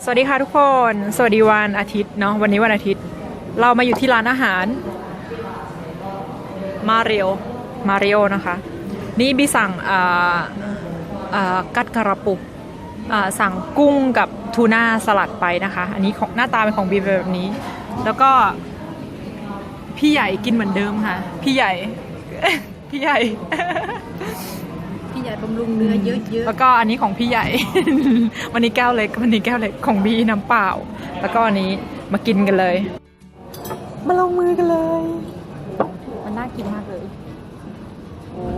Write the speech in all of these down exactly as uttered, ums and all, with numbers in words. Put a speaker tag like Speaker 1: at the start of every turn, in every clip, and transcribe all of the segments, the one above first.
Speaker 1: สวัสดีค่ะทุกคน สวัสดีวันอาทิตย์เนาะ วันนี้วันอาทิตย์ เรามาอยู่ที่ร้านอาหารมาเรียวมาเรียวนะคะ นี่บีสั่งกัดกระปุกสั่งกุ้งกับทูน่าสลัดไปนะคะ อันนี้ของหน้าตาเป็นของบีแบบนี้ แล้วก็พี่ใหญ่กินเหมือนเดิมค่ะ พี่ใหญ่ พี่ใหญ่
Speaker 2: พี่ใหญ่บำรุงเนื้อเยอะๆ
Speaker 1: แล้วก็อันนี้ของพี่ใหญ่ วันนี้แก้วเล็ก วันนี้แก้วเล็กของบีน้ำเปล่า แล้วก็อันนี้มากินกันเลย มาลงมือกันเลย มันน่ากินมากเลยโอ้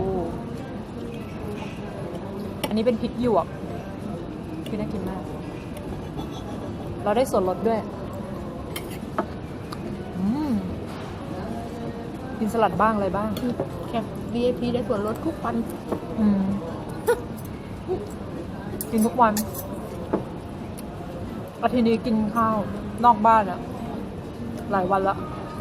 Speaker 1: อันนี้เป็นพริกหยวกคือน่ากินมาก เราได้ส่วนลดด้วยอืมกินสลัดบ้างอะไรบ้าง
Speaker 2: แค่ วี ไอ พี ได้ส่วนลดทุกวัน
Speaker 1: อืม กินทุกวันอาทิตย์นี้กินข้าวนอกบ้านอะหลายวันละ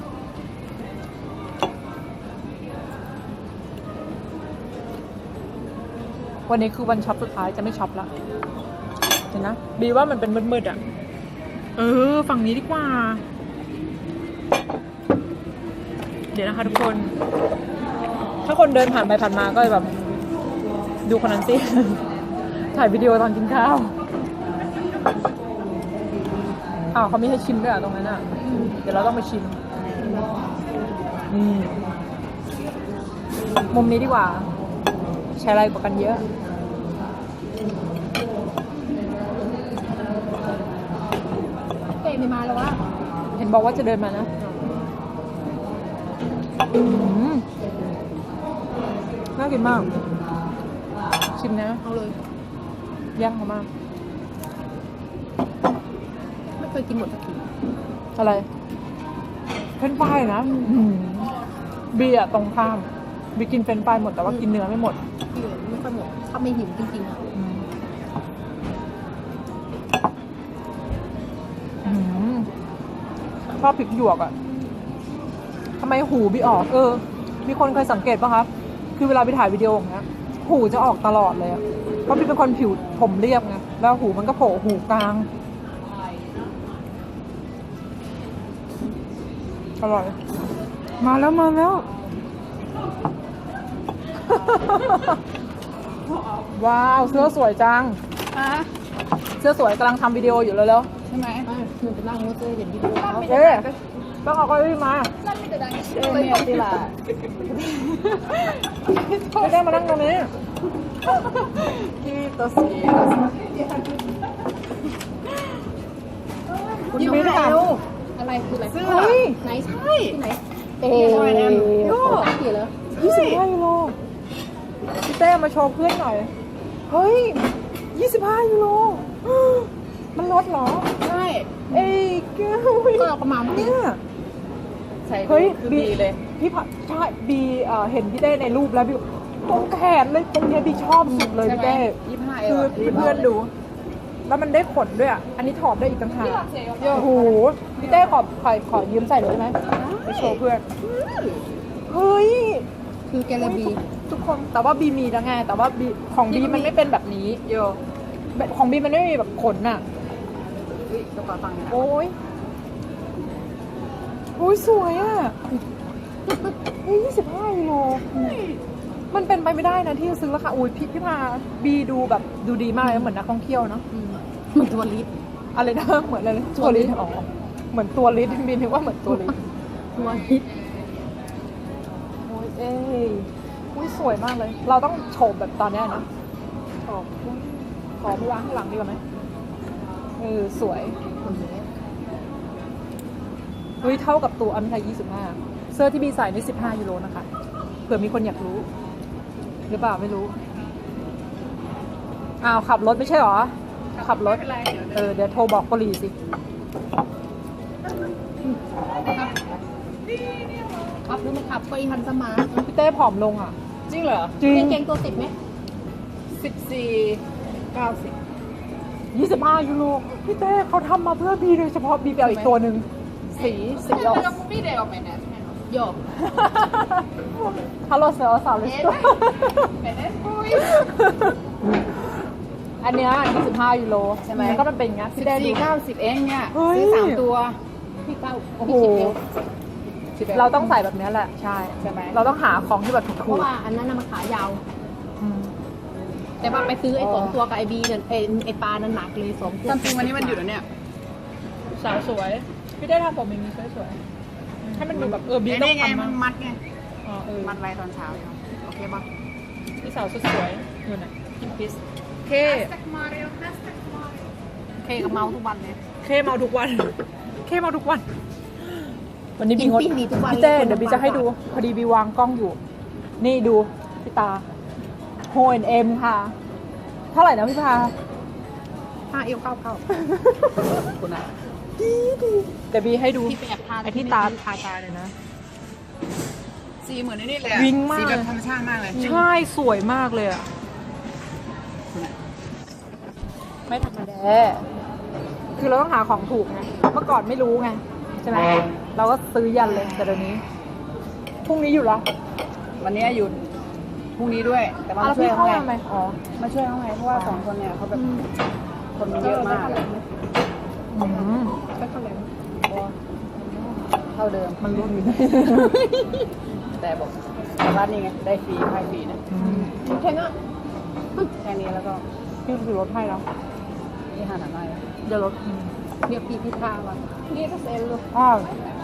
Speaker 1: วันนี้คือวันช็อปสุดท้ายจะไม่ช็อปละเห็นนะบีว่ามันเป็นมืดๆอะเออฝั่งนี้ดีกว่าเดี๋ยวนะคะทุกคนถ้าคนเดินผ่านไปผ่านมาก็แบบดูคนนั้นสิ ถ่ายวิดีโอตอนกินข้าวอ้าวเขาไม่ให้ชิมด้วยอ่ะตรงนั้นอ่ะเดี๋ยวเราต้องไปชิมนี่มุมนี้ดีกว่าใช้อะไรกว่ากันเยอะ
Speaker 2: เป้ไม่มาแล้ววะ
Speaker 1: เห็นบอกว่าจะเดินมานะอืมน่ากินมากชิมนะ
Speaker 2: เอาเลย
Speaker 1: ย่างเขามาก
Speaker 2: ไม่เคยกินหมดสักที
Speaker 1: อะไรเฟรนช์ฟรายนะบีอะตรงข้ามบีกินเฟรนช์ฟรายหมดแต่ว่ากินเนื้อไม่หมด
Speaker 2: พี่ไม่ค่อยหมดถ้าไม่หิวจริงๆอ่ะ
Speaker 1: ชอบพริกหยวกอะทำไมหูบีออกเออมีคนเคยสังเกตป่ะครับคือเวลาไปถ่ายวิดีโออย่างเงี้ยหูจะออกตลอดเลยอะเพราะบีเป็นคนผิวผมเรียบไงแล้วหูมันก็โผล่หูกลางอร่อยมาแล้วมาแล้ว ว้าวเสื้อสวยจังเสื้อสวยกำลังทำวิดีโออยู่แล้วๆ
Speaker 2: ใช่ไหมหนูไปนั่งรถเลยเห็นวิดีโอเขา
Speaker 1: เอ๊ะต้องเอาเก้าอี้มา
Speaker 2: นั่นไม่จะดังเชื่อเลยตีละ
Speaker 1: ไม่ได้มานั่งตรงนี้
Speaker 2: ที่ตัวสียิ้มไม่ได้อะไรคืออะไร
Speaker 1: เสื้อ
Speaker 2: ไหนใช่ที่ไหน
Speaker 1: เอ๊ะ
Speaker 2: โย่ตั้งกี่แล้ว
Speaker 1: ยี่สิบห้ายูโรพี่เต้มาโชว์เพื่อนหน่อยเฮ้ยยี่สิบห้ายูโรมันลดเหรอ
Speaker 2: ใช่
Speaker 1: เอ้ยแก้ว
Speaker 2: ก็เราประมาณนี้
Speaker 1: ใช่เฮ้ยบีเลยพี่ผัดใช่บีเห็นพี่เต้ในรูปแล้วบีตรงแขนเลยตรงนี้บีชอบสุดเลยพี่เต้คือเพื่อนดูแล้วมันได้ขนด้วยอ่ะอันนี้ถอดได้อีกต่างหากโอ้โหพี่เต้ขอขอขอยืมใส่เลยได้ไหมไปโชว์เพื่อนเฮ้ย
Speaker 2: คือแกลบี
Speaker 1: ทุกคนแต่ว่าบีมีแล้วไงแต่ว่าบีของบีมันไม่เป็นแบบนี้โยของบีมันไม่มีแบบขนอ่ะโอ้ยโอ้ยสวยอ่ะเฮ้ยยี่สิบห้ากิโลมันเป็นไปไม่ได้นะที่จะซื้อราคาอุ้ยพี่พี่พาบีดูแบบดูดีมากเลยเหมือนนักท่องเที่ยวเนาะ
Speaker 2: เหมือนตัวลิต
Speaker 1: อะไรนะเหมือนอะไรตัวลิตอ๋อเหมือนตัวลิตบีนึกว่าเหมือนตัวลิต
Speaker 2: ตัวลิต
Speaker 1: โอ้ยเอ้ยอุ้ยสวยมากเลยเราต้องโฉบแบบตอนนี้นะขอขอไปวางข้างหลังดีกว่าไหมเออสวยเฮ้ยเท่ากับตัวอันไทยยี่สิบห้าเสื้อที่บีใส่นี่สิบห้ายูโรนะคะเผื่อมีคนอยากรู้หรือเปล่าไม่รู้อ้าวขับรถไม่ใช่หรอขับรถเออเดี๋ยวโทรบอกกลีสิ
Speaker 2: ขับดูมันขับไปฮันสมา
Speaker 1: พี่เต้ผอมลงอ่ะ
Speaker 2: จริงเหรอ
Speaker 1: จริง
Speaker 2: เก่งตัวสิบไหม
Speaker 1: สิบสี่เก้าสิบยี่สิบห้ายูโรพี่เต้เขาทำมาเพื่อบีโดยเฉพาะบีไปเอาอีกตัวหนึ่งสีสีออก
Speaker 2: ไม่ได้ออกไปนะโยก
Speaker 1: ฮัลโหลเซลสาวเลยอันเนี้ยยี่สิบห้ายูโร
Speaker 3: ใช่ไหม
Speaker 1: แล้วก็มันเป็นอย่างเงี้ย
Speaker 3: สิ
Speaker 1: พี่
Speaker 3: บ
Speaker 1: ได้ดู
Speaker 3: สี่เก้าสิบเองเนี่ย
Speaker 1: เฮ้ย
Speaker 3: ซื้อสามตัว
Speaker 2: พี่เก้า
Speaker 1: โอ้โห
Speaker 2: พี่สิบเอว
Speaker 3: สิบเอ็ด
Speaker 1: เราต้องใส่แบบเนี้ยแหละ ใช่
Speaker 3: ใช่ไหม
Speaker 1: เราต้องหาของที่แบบ
Speaker 2: เพ
Speaker 1: ถูก
Speaker 2: ราะว่าอันนั้นน่ะมันขายาว
Speaker 1: ๆอืม
Speaker 2: แต่ว่าไปซื้อไอ้สองตัวกับไอบีเนี่ยไอไอปลานั้นหนักเลยสองตัว
Speaker 3: ตามจริงวันนี้มันหยุดแล้วเนี่ย
Speaker 1: สาวสวย พี่ได้ทำผมอย่างนี้สวยๆให้มันดูแบบเออบี
Speaker 3: ไอ้
Speaker 1: ต้อ
Speaker 3: นี่
Speaker 1: ง
Speaker 3: ไง
Speaker 1: ทำ
Speaker 3: มัน
Speaker 1: นะ
Speaker 3: มัดไง
Speaker 1: อ๋อเออ
Speaker 3: มัดไว้ตอนเช้าอยู่โอเคป่ะ
Speaker 1: พี่สาวสวยๆอยู่ไหนกินพิซเค
Speaker 3: เคกับเมาทุกวันเลย
Speaker 1: เคเมาทุกวัน เคเมาทุกวัน วันนี้บี
Speaker 2: กิน
Speaker 1: งด
Speaker 2: ปิ้งดีทุกวัน
Speaker 1: พี่เต้
Speaker 2: ล
Speaker 1: เดี๋ยวบีจะให้ดู พอดีบีวางกล้องอยู่ นี่ดูพี่ตาโฮเอ็นเอ็มค่ะ เท่าไหร่นะพี่พา
Speaker 2: ห้าเอวเข้าเข้า
Speaker 3: คุณอ่ะ
Speaker 1: เดี๋ยวบีให้ดู
Speaker 2: พี่ไปแอบทาน
Speaker 1: ไอที่ตาทาตาเลยนะ
Speaker 3: สีเหมือนไอ้นี่เลยอะ
Speaker 1: วิ้งมาก
Speaker 3: สีแบบธรรมชาติมากเลย
Speaker 1: ใช่สวยมากเลยอ่ะ
Speaker 3: คุณอะ
Speaker 1: ไม่ธรรมดา คือเราต้องหาของถูกไง เมื่อก่อนไม่รู้ไง ใช่ไหม เราก็ซื้อยันเลย แต่เดี๋ยวนี้ พรุ่งนี้อยู่ละ
Speaker 3: วันนี้หยุดพรุ่งนี้ด้วย แต่ว่า
Speaker 1: อ้าว
Speaker 3: มาช่วย
Speaker 1: พี่
Speaker 3: เขา
Speaker 1: เข้า
Speaker 3: ไง
Speaker 1: มาไหมอ๋อ
Speaker 3: มาช่วยเขาไงเพราะว่าสองคนเนี่ยเขาแบบคนมันเยอะมากอะ
Speaker 1: อืม
Speaker 2: ก็เท่าไหร่
Speaker 3: เท่าเดิม
Speaker 1: มันรุ่นอยู่
Speaker 3: แต่บอกแต่ว่านี่ไงได้ฟรีให้ฟรีนะ
Speaker 2: แค่นั้น
Speaker 3: แค่นี้แล้วก็
Speaker 1: พี่คือรถให้แล้ว
Speaker 3: นี่หาหนาหน่อย
Speaker 1: เดี๋ยวรถ
Speaker 2: เดี๋ยวพี่พี่พามานี่ก็เซ็นเลย
Speaker 1: อ้าว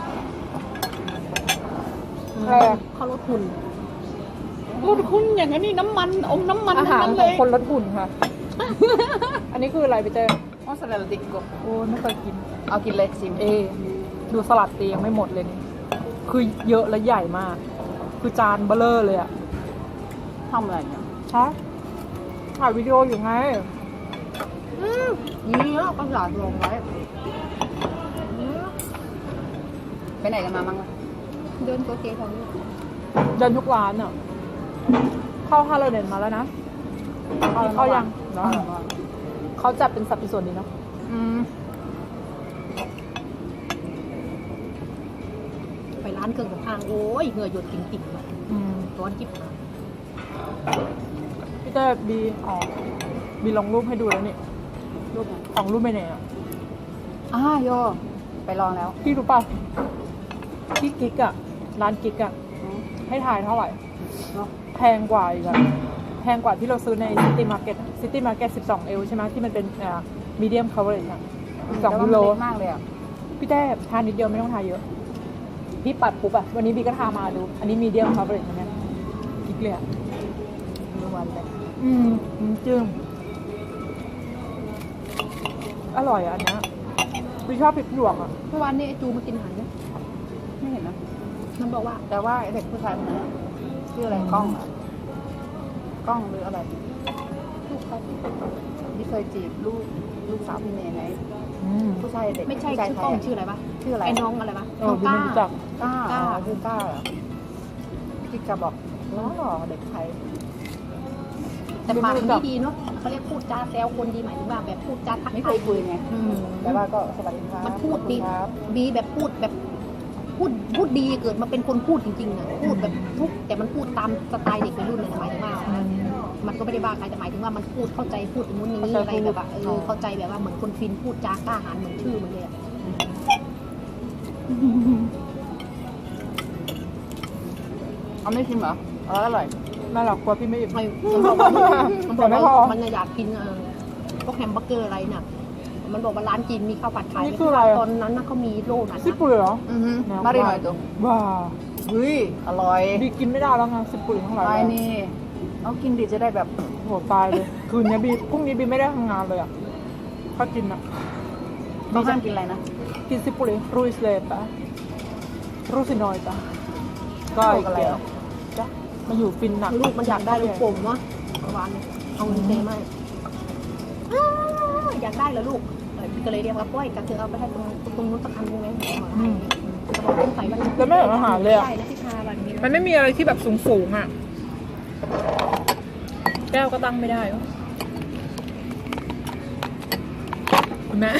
Speaker 1: อะไรอะ
Speaker 2: เขาลดทุน
Speaker 3: รถคุณอย่างนี้น้ำมันอมน้ำมัน
Speaker 1: อา
Speaker 3: ทั้ง
Speaker 1: หาร
Speaker 3: นั้น
Speaker 1: ข
Speaker 3: เล
Speaker 1: อง
Speaker 3: ย
Speaker 1: คนลดหุ่นค่ะ อันนี้คืออะไรพี่เจ้
Speaker 3: อ๋อสลัดติกกบ
Speaker 1: โอ้ยไม่เคยกิน
Speaker 3: เอากินเลยชิม
Speaker 1: เอ ดูสลัดตียังไม่หมดเลยนี่ คือเยอะและใหญ่มาก คือจานเบลเลอร์เลยอะ
Speaker 3: ทำอะไรเนี่ย
Speaker 1: ฮะถ่ายวิดีโออยู่ไง
Speaker 2: นี่แล้วก็หลอดลงไว้
Speaker 3: ไปไหนกันมาบ้างวะ
Speaker 2: เดินตัวเกย์ของนี่
Speaker 1: เดินทุกร้านอะเข้าฮาโลเดนมาแล้วนะ เข้ายัง
Speaker 3: เนาะ
Speaker 1: เขาจัดเป็นสัดเป็นส่วนดีเนาะ
Speaker 3: อืม
Speaker 2: ไปร้านเครื่องสำอางโอ้ยเหงื่อหยดติ่งๆเลย
Speaker 1: อืม
Speaker 2: ร้อนจิ๊บหาย
Speaker 1: พี่เต้บีอ๋อบีลงรูปให้ดูแล้วนี่
Speaker 3: รูปไหน
Speaker 1: ของรูปไปไหนอะ
Speaker 3: อ่าโยไปลองแล้ว
Speaker 1: พี่รู้ป่ะพี่กิ๊กอะร้านกิ๊กอะ
Speaker 3: อืม
Speaker 1: ให้ถ่ายเท่าไหร่
Speaker 3: เนาะ
Speaker 1: แพงกว่าอีกอะแพงกว่าที่เราซื้อในซิตี้มาร์เก็ตซิตี้มาร์เก็ตสิบสองเอลใช่ไหมที่มันเป็นอ่ามีเดียมคัฟเวอร์อะสอง
Speaker 3: แต่ว่า
Speaker 1: ยู
Speaker 3: มัน
Speaker 1: โร
Speaker 3: เล็กมากเลยอ่ะ
Speaker 1: พี่แต้ทานนิดเดียวไม่ต้องทาเยอะ พี่ปัดปุ๊บอะวันนี้บีก็ทามาดู อันนี้มีเดียมคัฟเวอร์นะเนี่ยกิ๊กเลยอะ
Speaker 3: มีวันเลย
Speaker 1: อืมอืมจึงอร่อยอะอันเนี้ยบีชอบพริกหยวกอะ
Speaker 2: เมื่อวานนี้ไอจูมากินอาหารเนี่ย
Speaker 3: ไม่เห็นนะ
Speaker 2: มันบอกว่า
Speaker 3: แต่ว่าไอ้เด็กผู้ชายคนนั้นอะชื่ออะไรกล้องเหรอะกล้องหรืออะไร
Speaker 2: ลูกเขา
Speaker 3: ที่เคยจีบลูกลูกสาวพี่เนยไหม
Speaker 1: อืม
Speaker 3: ผู้ชายเด็ก
Speaker 2: ไม่ใช่
Speaker 3: ผู้ชาย
Speaker 2: ชื่อ
Speaker 3: ไท
Speaker 2: กล้อง
Speaker 3: ยอะ
Speaker 2: ชื่ออะไรปะ
Speaker 3: ชื่ออะไร
Speaker 2: ไอ้น้องอะไรปะ
Speaker 1: เออบีไม่รู้จัก
Speaker 3: ก้า
Speaker 2: ก้า
Speaker 3: อ๋อชื่อก้าเหรอที่จะบอกน้องหล่อเด็กไทย
Speaker 2: แต่ปากมันดีดีเนาะเขาเรียกพูดจาแซวคนดีหมายถึงว่าแบบพูดจาทัก
Speaker 3: ไม่
Speaker 2: ทา
Speaker 3: เค
Speaker 2: ย
Speaker 3: ยคุยไง
Speaker 2: อืม
Speaker 3: แต่ว่าก็สวัสดีครับ
Speaker 2: มันพูดดี
Speaker 3: ขอบคุณครับ
Speaker 2: ดีแบบพูดแบบพูดพูดดีเกิดมาเป็นคนพูดจริงๆอ่ะพูดแบบทุกแต่มันพูดตามสไตล์เด็กวัยรุ่นเลยนะหมายถึงว่า มันก็ไม่ได้บ้าใครแต่หมายถึงว่ามันพูดเข้าใจพูดอย่างนู้นอย่างนี้อะไรแบบว่าเออเข้าใจแบบว่าเหมือนคนฟินพูดจากล้าหาญเหมือนชื่อมันเลยอะ
Speaker 3: เอาไม่ชิมเหรอเอออร่อย
Speaker 1: น่าหรอกกลัวพี่ไม่อิ่ม
Speaker 2: ไอ้มันบอกว่ามันบอก
Speaker 1: แต่ไม่พอ
Speaker 2: ว่ามันอยากกินเออพวกแฮมเบอร์เกอร์อะไรน่ะ มันบอกว่าร้านจีนมีข้าวผัดขาย
Speaker 1: นี่คืออะไรอะ
Speaker 2: ตอนนั้นน่ะเขามีโล่นั้น
Speaker 1: ซิ
Speaker 2: นะ
Speaker 1: ปุยเหรอ
Speaker 3: อือฮึมาดีหน่อยตัว
Speaker 1: ว้า
Speaker 3: เฮ้ยอร่อย
Speaker 1: บีกินไม่ได้แล้วไงซิปุยทั้งหลาย
Speaker 3: ไป
Speaker 1: เลย
Speaker 3: นี่เอากินดิจะได้แบบ
Speaker 1: โหตายเลย คืนนี้บีพรุ่งนี้บีไม่ได้ทำงานเลยอ่ะถ้ากินอ่ะ
Speaker 3: ไม่ห้ามกินอะไรนะ
Speaker 1: กินซิปุริรูสเลตะรูสินอยตะก็
Speaker 3: โร
Speaker 1: อี
Speaker 3: ค
Speaker 1: ก
Speaker 3: อะไร
Speaker 1: แก้ว
Speaker 3: อ่ะ
Speaker 1: จ้ะมาอยู่ฟินหนัก
Speaker 2: ลูกมันอยากได้ลูกโป่งวะเมื่อวานเนี่ยเอาเงินเซมาอ้าวอยากได้เหรอลูกเออก็เลยเรียกว่าป้อยกันเธอเอาไปให้ตรงตรงนู้นสักอันนึงไหมจะบอกต้องใส่วันนี้
Speaker 1: แล้วไม่เหมือนอาหารเลยอ่ะ
Speaker 2: ใช่แล้วที่ทาวันนี้
Speaker 1: มันไม่มีอะไรที่แบบสูงสูงๆอ่ะ แก้วก็ตั้งไม่ได้วะคุณแม่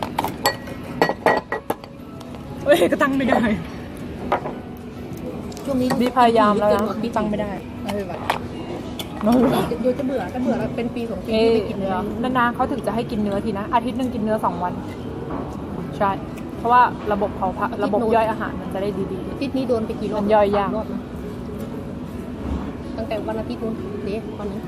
Speaker 1: เฮ้ยก็ตั้งไม่ได้
Speaker 2: ช่วงนี้
Speaker 1: บีพยายามแล้วนะบีตั้งไม่ได้
Speaker 3: ไม่เป็นไร
Speaker 2: เดี๋ยวจะเบื่อจะเบื่อแล้วเป็นปีสองปี
Speaker 1: เอ๊
Speaker 2: ที่ไม่กินเนื้อ
Speaker 1: นานๆเขาถึงจะให้กินเนื้อทีนะ อาทิตย์หนึ่งกินเนื้อสองวัน ใช่ เพราะว่าระบบเผาผลาญระบบย่อยอาหารมันจะได้ดี
Speaker 2: อาทิตย์นี้โดนไปกี่รอบ
Speaker 1: มันย่อยยาก
Speaker 2: สมรอบนะตั้งแต่วันอาทิตย์นู้นเดี๋ยววันนี้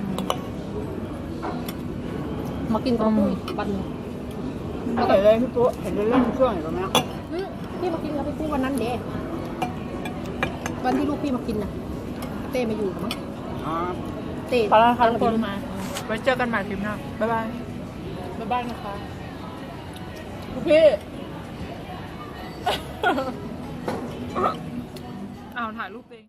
Speaker 2: มากินกับปุ้ยวันหนึง
Speaker 3: เห็นเลยพี่ปุ๊เห็นเล่นๆช่วงอยู่ตรงนี้
Speaker 2: อืมพี่มากินกับพี่ปุ้ยวันนั้นเด้วันที่ลูกพี่มากินน่ะ เต้มาอยู่มั้ง
Speaker 3: อ๋อ
Speaker 2: เต้
Speaker 1: ๆขอลาค่ะทุกคน
Speaker 2: มา
Speaker 1: ไว้เจอกันใหม่คลิปหน้า บ๊ายบาย บ๊ายบายนะคะทุกพี่ อ้าวถ่ายรูปเอง